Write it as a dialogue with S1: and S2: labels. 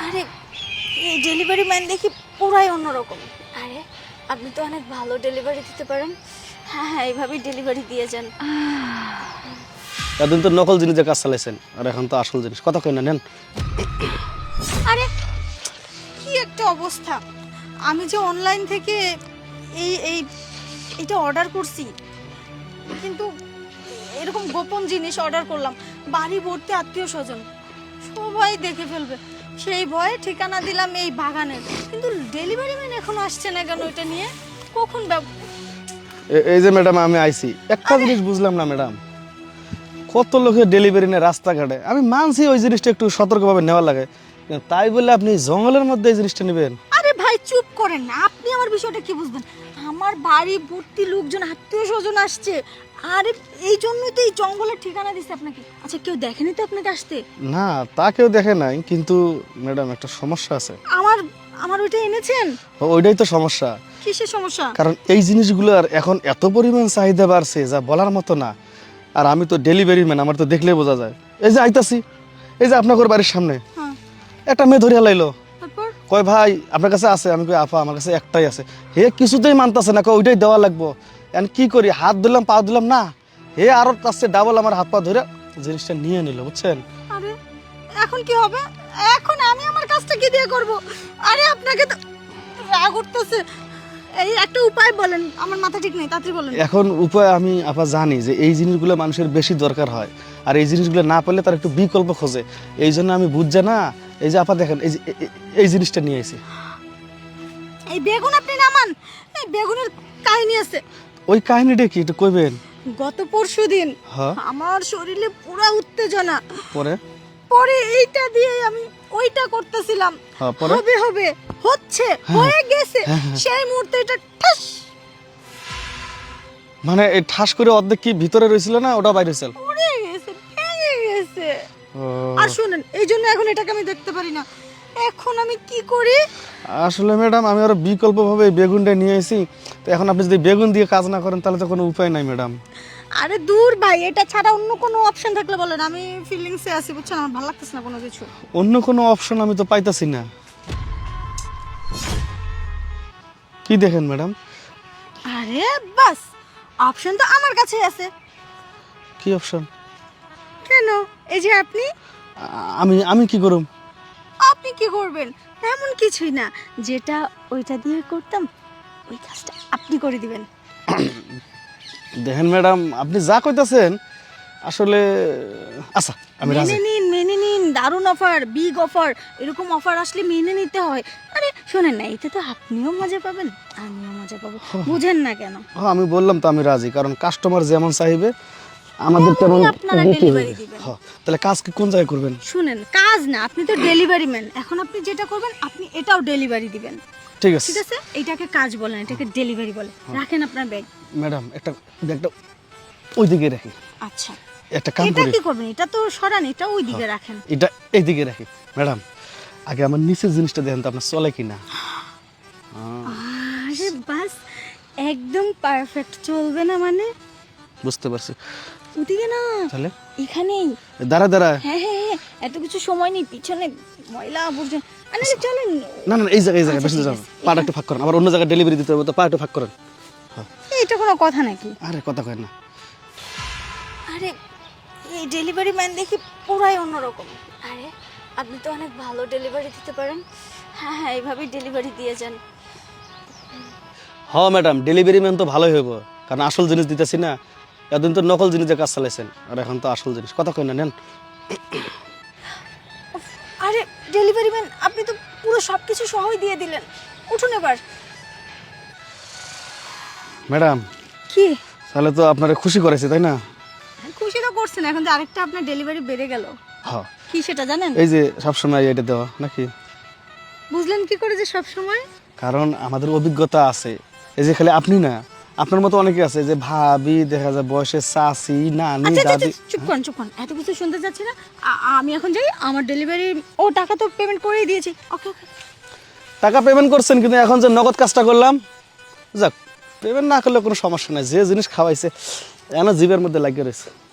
S1: আরে এই delivery man দেখি পুরাই অন্যরকম। আরে আপনি তো অনেক ভালো ডেলিভারি দিতে পারেন। হ্যাঁ হ্যাঁ, এইভাবেই ডেলিভারি দিয়ে যান।
S2: এতদিন তো নকল জিনিসের কাজ চালাইছেন, আর এখন তো আসল জিনিস। কথা কই না, নেন।
S1: আরে কি একটা অবস্থা! আমি যে অনলাইন থেকে এই এই এটা অর্ডার করছি, কিন্তু এরকম গোপন জিনিস অর্ডার করলাম, বাড়ি ভর্তি আত্মীয় স্বজন, সবাই দেখে ফেলবে, সেই ভয়ে ঠিকানা দিলাম এই বাগানের। কিন্তু ডেলিভারি ম্যান এখনো আসছে না কেন এটা নিয়ে? কখন
S2: এই যে ম্যাডাম আমি আইছি, একটা জিনিস বুঝলাম না ম্যাডাম, কত লোকের ডেলিভারি নেয় রাস্তাঘাটে। আমি মানছি ওই জিনিসটা একটু সতর্কভাবে নেওয়া লাগে, কিন্তু তাই বলে আপনি জঙ্গলের মধ্যে এই জিনিসটা নেবেন?
S1: আরে ভাই চুপ করেন না, আপনি আমার বিষয়টা কি বুঝবেন? আমার বাড়ি ভর্তি লোকজন, আত্মীয় স্বজন আসছে, আরে এই জন্যই তো এই জঙ্গলের ঠিকানা দিচ্ছে আপনাকে। আচ্ছা কেউ দেখেনি তো আপনাকে আসতে?
S2: না, তা কেউ দেখে নাই, কিন্তু ম্যাডাম একটা সমস্যা আছে।
S1: আমার আমার ওইটা এনেছেন?
S2: ওইটাই তো সমস্যা।
S1: কিসের সমস্যা?
S2: কারণ এই জিনিসগুলোর এখন এত পরিমাণ চাহিদা বাড়ছে যা বলার মতো না। আর আমি তো ডেলিভারি ম্যান, আমার তো দেখলেই বোঝা যায়। এই যে আইতাছি, এই যে আপনার বাড়ির সামনে
S1: হ্যাঁ,
S2: একটা মেয়ে ধরিয়া লাইলো,
S1: তারপর?
S2: কয় ভাই আপনার কাছে আছে? আমি কই আপা আমার কাছে একটাই আছে। হে কিছুতেই মানতাছে না, কয় ওইটাই দেওয়া লাগবো। এখন কি করি, হাত দিলাম পা দিলাম না, হে আরো তার ডাবল আমার হাত পা ধরে জিনিসটা নিয়ে নিল, বুঝছেন?
S1: আরে এখন কি হবে? এখন আমি আমার কাজটা কি দিয়ে করব? আরে আপনাকে তো রাগ উঠতেছে। এই একটা উপায় বলেন, আমার মাথা ঠিক নেই, তাড়াতাড়ি বলেন।
S2: এখন উপায় আমি আপা জানি যে এই জিনিসগুলো মানুষের বেশি দরকার হয়, আর এই জিনিসগুলো না পেলে তার একটু বিকল্প খোঁজে। এই জন্য আমি বুঝছে না, এই যে আপা দেখেন এই যে এই জিনিসটা নিয়ে এসেছি।
S1: এই বেগুন আপনি নামান, এই বেগুনের কাহিনী আছে।
S2: ওই কাহিনীটা কি একটু কইবেন?
S1: গত পরশুদিন
S2: হ্যাঁ,
S1: আমার শরীরে পুরো উত্তেজনা,
S2: পরে?
S1: পরে এইটা দিয়ে আমি ওইটা করতেছিলাম,
S2: হ্যাঁ, পরে?
S1: হবে হবে হচ্ছে, হয়ে গেছে, সেই মুহূর্তে এটা ঠাস
S2: মানে এই ঠাস করে অর্ধেক কি ভিতরে রয়েছিল না ওটা বাইরে হয়েছিল?
S1: পড়ে গেছে, ভেঙে গেছে।
S2: ও,
S1: আর শুনেন, এই জন্য এখন এটাকে আমি দেখতে পারি না। এখন আমি কি করি?
S2: আসলে ম্যাডাম আমি আরো বিকল্প ভাবে এই বেগুনটা নিয়ে এসেছি। তো এখন আপনি যদি বেগুন দিয়ে কাজ না করেন তাহলে তো কোনো উপায় নাই ম্যাডাম।
S1: আরে দূর ভাই, এটা ছাড়া অন্য কোনো অপশন থাকলে বলেন। আমি ফিলিংসে আছি, বুঝছেন, আমার ভালো লাগতেছে না কোনো কিছু।
S2: অন্য কোনো অপশন আমি তো পাইতাছি না। কি দেখেন ম্যাডাম?
S1: আরে বাস, অপশন তো আমার কাছেই আছে।
S2: কি অপশন?
S1: কেন? এই যে আপনি।
S2: আমি আমি কি করুম?
S1: আপনি কি করবেন? তেমন কিছুই না, যেটা ওইটা দিয়ে করতাম ওই কাজটা আপনি করে দিবেন।
S2: দেখেন ম্যাডাম আপনি যা কইতাছেন আসলে, আচ্ছা আমি রাজি।
S1: মেনে নিন, দারুণ অফার, বিগ অফার, এরকম অফার আসলে মেনে নিতে হয়। আরে শোনেন না, এতে তো আপনিও মজা পাবেন, আমিও মজা পাবো, বুঝেন না কেন?
S2: হ্যাঁ আমি বললাম তো আমি রাজি, কারণ কাস্টমার যেমন চাইবে আমাদের তেমন
S1: আপনারা
S2: দিতে হবে।
S1: ডেলিভারি দিবেন।
S2: হ্যাঁ, তাহলে কাজ কি কোন জায়গায় করবেন?
S1: শুনেন, কাজ না, আপনি তো ডেলিভারি ম্যান, এখন আপনি যেটা করবেন আপনি এটাও ডেলিভারি দিবেন।
S2: ঠিক আছে
S1: ঠিক আছে, এইটাকে কাজ বলেন, এটাকে ডেলিভারি বলে। রাখেন আপনার ব্যাগ।
S2: ম্যাডাম, একটা ব্যাগটা ওইদিকে রাখি।
S1: আচ্ছা,
S2: একটা কাম
S1: এটা
S2: করি,
S1: কি করবেন? এটা তো সরান, এটা ওই দিকে রাখেন।
S2: এটা এইদিকে রাখি। ম্যাডাম আগে আমার নিচের জিনিসটা দেখেন তো আপনার চলে কিনা।
S1: আরে বাস, একদম পারফেক্ট। চলবে না মানে?
S2: বুঝতে পারছি।
S1: ওদিকে না,
S2: তাহলে
S1: এখানেই।
S2: দাঁড়া দাঁড়া।
S1: হ্যাঁ হ্যাঁ হ্যাঁ, এত কিছু সময় নেই, পিছনে ময়লা আবর্জনা। আরে চলেন।
S2: না না এই জায়গায়
S1: আচ্ছা,
S2: বেশি
S1: ঠিক
S2: যাবেন,
S1: আছে।
S2: পাটা একটু ফাঁক করেন, আবার অন্য জায়গায় ডেলিভারি দিতে হবে তো পা একটু ফাঁক করেন।
S1: এটা কোনো কথা নাকি?
S2: আরে কথা কয় না।
S1: আরে এই ডেলিভারি ম্যান দেখি পুরাই অন্যরকম। আরে আপনি তো অনেক ভালো ডেলিভারি দিতে পারেন। হ্যাঁ হ্যাঁ, এইভাবেই ডেলিভারি দিয়ে যান।
S2: হ্যাঁ ম্যাডাম, ডেলিভারি ম্যান তো ভালোই হইব, কারণ আসল জিনিস দিতেছি না। এতদিন তো নকল জিনিসের কাজ চালাইছেন, আর এখন তো আসল জিনিস। কথা কয় না, নেন।
S1: উফ, আরে ডেলিভারি ম্যান, আপনি তো পুরো সব কিছু সহই দিয়ে দিলেন। উঠুন এবার।
S2: ম্যাডাম
S1: কি?
S2: তাহলে তো আপনারা খুশি করেছে তাই না?
S1: খুশি তো করছেন, এখন যে আরেকটা আপনার ডেলিভারি বেড়ে গেল।
S2: হ্যাঁ,
S1: কি সেটা জানেন?
S2: এই যে সবসময় এটা দেওয়া নাকি?
S1: বুঝলেন কি করে যে সব সময়?
S2: কারণ আমাদের অভিজ্ঞতা আছে, এই যে খালি আপনি না, আপনার মতো অনেকে আছে যে ভাবি, দেখা যায় বয়সে চাচি, নানি,
S1: আচ্ছা আচ্ছা,
S2: দাদি।
S1: চুপ করুন চুপ করুন, এত কিছু শুনতে যাচ্ছি না। আমি এখন যাই, আমার ডেলিভারি ও টাকা তো পেমেন্ট করেই দিয়েছি। ওকে ওকে।
S2: টাকা পেমেন্ট করছেন, কিন্তু এখন যে নগদ কাজটা করলাম, যাক পেমেন্ট না করলে কোনো সমস্যা নাই। যে জিনিস খাওয়াইছে এখনো জিভের মধ্যে লাগিয়ে রয়েছে।